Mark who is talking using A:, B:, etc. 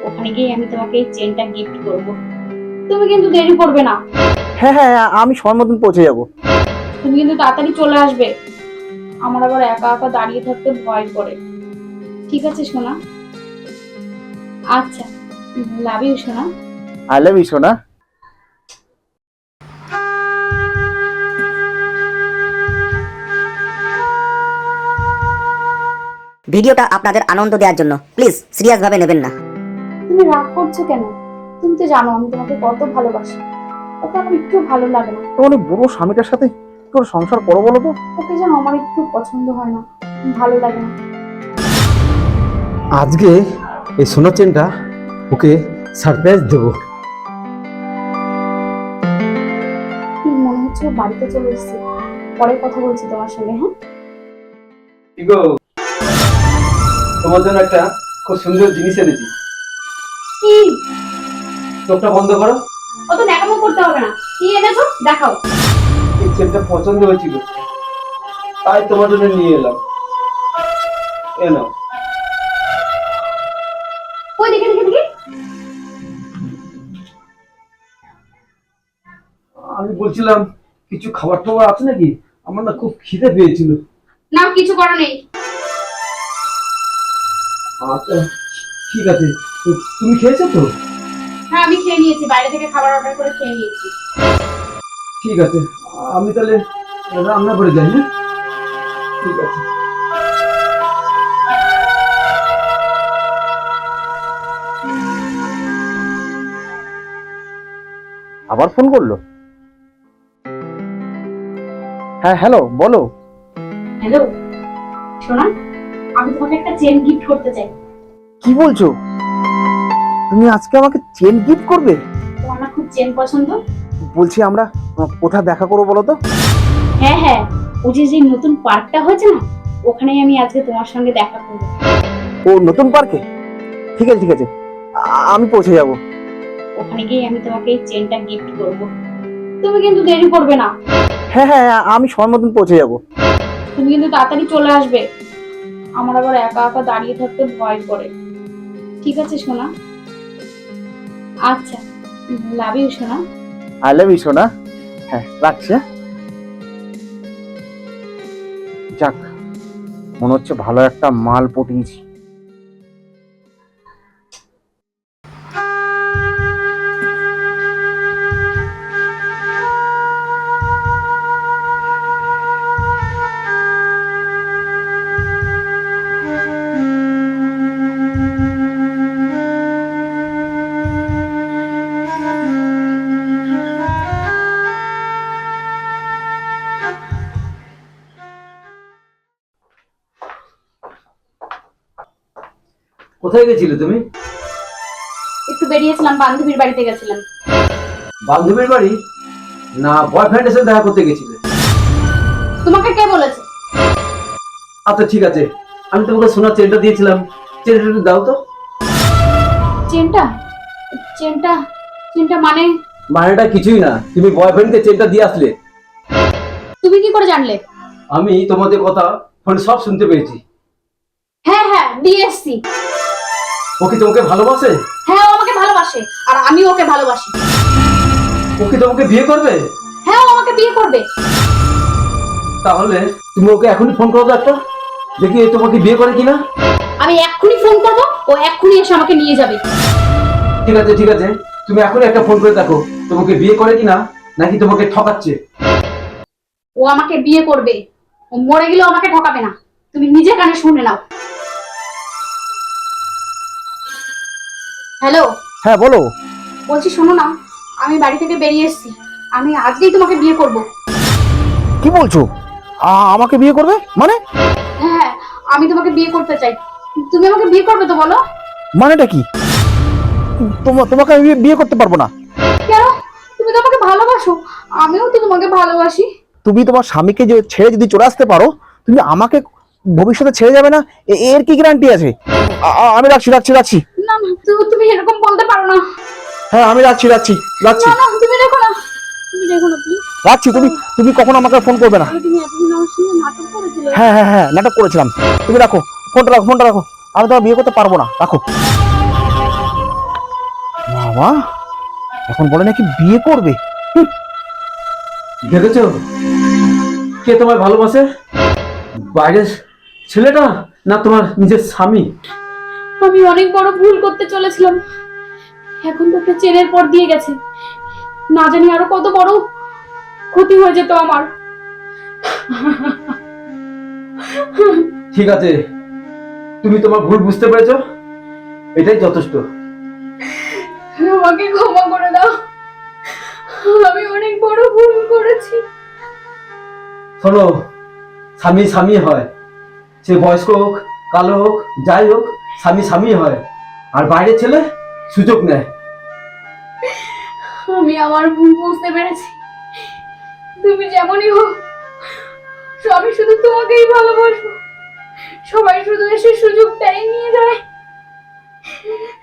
A: ওখানে গিয়ে আমি তোমাকে এই চেনটা গিফট করব। তুমি কিন্তু দেরি করবে না।
B: হ্যাঁ হ্যাঁ, আমি সময় মতন পৌঁছে যাব।
A: তুমি কিন্তু তাড়াতাড়ি চলে আসবে। আমার আবার একা একা দাঁড়িয়ে থাকতে ভয় করে। ঠিক আছে সোনা? আচ্ছা, লাভ ইউ সোনা।
B: আই লাভ ইউ সোনা।
C: ভিডিওটা আপনাদের আনন্দ দেওয়ার জন্য প্লিজ সিরিয়াস ভাবে নেবেন না।
A: তুমি রাগ করছো কেন? তুমি তো জানো আমি তোমাকে কত ভালোবাসি। ওকে আমার একটু ভালো লাগে না।
B: তো মানে বুড়ো স্বামীটার সাথে তোর সংসার করো বলো তো?
A: ওকে যেন আমার একটু পছন্দ হয় না, ভালো লাগে না।
D: আজকে এই সোনার চেনটা ওকে সারপ্রাইজ দেবো।
A: কি মনে হচ্ছে ও বাড়িতে চলে এসেছে। পরে কথা বলছি তোমার সঙ্গে, হ্যাঁ?
D: ইগো, তোমার জন্য একটা খুব সুন্দর জিনিস এনেছি।
A: কি?
D: চোখটা বন্ধ করো।
A: অত ন্যাকামো করতে হবে না। কি এনেছো দেখাও।
D: এই চেনটা পছন্দ হয়েছিল, তাই তোমার জন্য নিয়ে এলাম। এ নাও।
A: কই দেখে দেখে দেখে।
D: আমি বলছিলাম কিছু খাবার টাবার আছে নাকি, আমার না খুব খিদে পেয়েছিল।
A: না, কিছু করা নেই।
D: আচ্ছা ঠিক আছে, তুমি খেয়েছো তো?
A: হ্যাঁ, আমি খেয়ে নিয়েছি, বাইরে থেকে খাবার অর্ডার করে খেয়ে নিয়েছি।
D: ঠিক আছে, আমি তাহলে রান্না করে যাই। হ্যাঁ ঠিক আছে।
B: আবার ফোন করলো? হ্যাঁ হ্যালো, বলো।
A: হ্যালো সোনা, আমি তোমাকে একটা চেন গিফট করতে চাই।
B: কি বলছো? তুমি আজকে আমাকে চেন গিফট করবে?
A: তোমার না খুব চেন পছন্দ?
B: বলছি আমরা কোথায় দেখা করবো বলো তো?
A: হ্যাঁ হ্যাঁ, ও যে নতুন পার্কটা হয়েছে না, ওখানেই আমি আজকে তোমার সঙ্গে দেখা করবো।
B: ও নতুন পার্কে? ঠিক আছে ঠিক আছে, আমি পৌঁছে যাব।
A: ওখানে গিয়ে আমি তোমাকে এই চেনটা গিফট করব। তুমি কিন্তু দেরি করবে না।
B: হ্যাঁ হ্যাঁ, আমি সময় মতন পৌঁছে যাব।
A: তুমি কিন্তু তাড়াতাড়ি চলে আসবে। আমার আবার একা একা দাঁড়িয়ে থাকতে ভয় করে। ঠিক আছে সোনা? আচ্ছা, লাভ ইউ সোনা।
B: আই লাভ ইউ সোনা। হ্যাঁ রাখছি। হ্যাঁ যাক, মনে হচ্ছে ভালো একটা মাল পটিয়েছি।
D: কোথায় গেছিলে তুমি?
A: একটু বেরিয়েছিলাম, বান্ধবীর বাড়িতে গেছিলাম।
D: বান্ধবীর বাড়ি না বয়ফ্রেন্ডের সাথে দেখা করতে গেছিলে?
A: তোমাকে কে বলেছে?
D: আচ্ছা ঠিক আছে, আমি তোমাকে সোনার চেনটা দিয়েছিলাম, চেনটা একটু দাও তো।
A: চেনটা? চেনটা? চেনটা মানে?
D: মানেটা কিছুই না, তুমি বয়ফ্রেন্ডকে চেনটা দিয়ে আসলে।
A: তুমি কি করে জানলে?
D: আমি তোমাদের কথা ফোনে সব শুনতে পেয়েছি।
A: হ্যাঁ হ্যাঁ, দিয়ে এসছি।
D: ও কি তোমাকে ভালোবাসে?
A: হ্যাঁ, ও আমাকে ভালোবাসে আর আমি ওকে ভালোবাসি।
D: ও কি তোমাকে বিয়ে করবে?
A: হ্যাঁ, ও আমাকে বিয়ে করবে।
D: তাহলে তুমি ওকে এখনই ফোন করো তো একটা, দেখি এ তোমাকে বিয়ে করে কিনা।
A: আমি এক্ষুনি ফোন করবো, ও এক্ষুনি এসে আমাকে নিয়ে যাবে।
D: ঠিক আছে ঠিক আছে, তুমি এখনই একটা ফোন করে দেখো তোমাকে বিয়ে করে কিনা, নাকি তোমাকে ঠকাচ্ছে।
A: ও আমাকে বিয়ে করবে। ও মরে গেলেও আমাকে ঠকাবে না। তুমি নিজে কানে শুনে নাও। হ্যালো,
B: হ্যাঁ বলো।
A: বলছি শোনো না, আমি বাড়ি থেকে বেরিয়ে এসেছি। আমি আজকেই তোমাকে বিয়ে করব।
B: কি বলছো? আমাকে বিয়ে করবে মানে?
A: হ্যাঁ, আমি তোমাকে বিয়ে করতে চাই। তুমি আমাকে বিয়ে করবে তো বলো?
B: মানেটা কি? তোমাকে আমি বিয়ে করতে পারবো না।
A: কেন? তুমি তো আমাকে ভালোবাসো, আমিও তো তোমাকে ভালোবাসি।
B: তুমি তোমার স্বামীকে যে ছেড়ে যদি চলে আসতে পারো, তুমি আমাকে ভবিষ্যতে ছেড়ে যাবে না, এর কি গ্যারান্টি আছে? আমি রাখছি রাখছি রাখছি।
A: না না, তুমি এরকম বলতে পারো না।
B: হ্যাঁ আমি রাখছি রাখছি রাখছি
A: না না, তুমি দেখো না, তুমি দেখো না প্লিজ।
B: রাখছি। তুমি তুমি কখনো আমাকে ফোন করবে না।
A: তুমি এতদিন আমার সঙ্গে নাটক করেছিলে।
B: হ্যাঁ হ্যাঁ হ্যাঁ, নাটক করেছিলাম। তুমি রাখো ফোনটা, রাখো ফোনটা রাখো। আমি তোমার বিয়ে করতে পারবো না, রাখো। বাবা এখন বলে নাকি বিয়ে করবে।
D: দেখেছ কে তোমায় ভালোবাসে, বাইরের ছেলেটা না তোমার নিজের স্বামী?
A: আমি অনেক বড় ভুল করতে চলেছিলাম, এখন তো একটা চেনের পর দিয়ে গেছে, না জানি আরো কত বড় ক্ষতি হয়ে যেত আমার।
D: ঠিক আছে, তুমি তোমার ভুল বুঝতে পেরেছো, এটাই যথেষ্ট।
A: আমাকে ক্ষমা করে দাও, আমি অনেক বড় ভুল করেছি।
D: শোনো, স্বামী স্বামী হয়, সে বয়স্ক হোক কালো হোক যাই হোক, স্বামী স্বামী হয়, আর বাইরের ছেলে সুযোগ নেয়।
A: আমি আমার ভুল বুঝতে পেরেছি, তুমি যেমনই হোক আমি শুধু তোমাকেই ভালোবাসবো, সবাই শুধু এসে সুযোগটাই নিয়ে যায়।